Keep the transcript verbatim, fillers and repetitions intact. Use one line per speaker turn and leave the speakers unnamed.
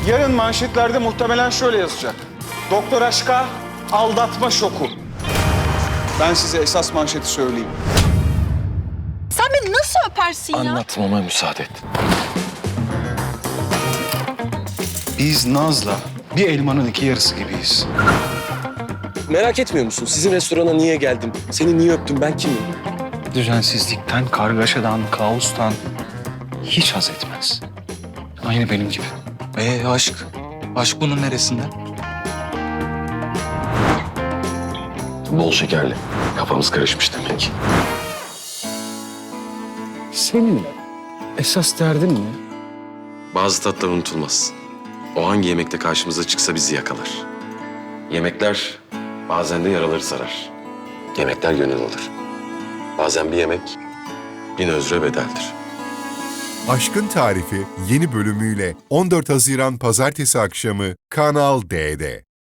Yarın manşetlerde muhtemelen şöyle yazacak. Doktor aşka aldatma şoku. Ben size esas manşeti söyleyeyim.
Sen beni nasıl öpersin ya?
Anlatmama müsaade et.
Biz Naz'la bir elmanın iki yarısı gibiyiz.
Merak etmiyor musun? Sizin restorana niye geldim? Seni niye öptüm? Ben kimim?
Düzensizlikten, kargaşadan, kaostan hiç haz etmez. Aynı benim gibi.
Ee aşk? Aşk bunun neresinde?
Bol şekerli. Kafamız karışmış demek.
Senin esas derdin ne?
Bazı tatlar unutulmaz. O hangi yemekte karşımıza çıksa bizi yakalar. Yemekler bazen de yaraları sarar. Yemekler gönül alır. Bazen bir yemek bin özre bedeldir.
Aşkın Tarifi yeni bölümüyle on dört Haziran Pazartesi akşamı Kanal D'de.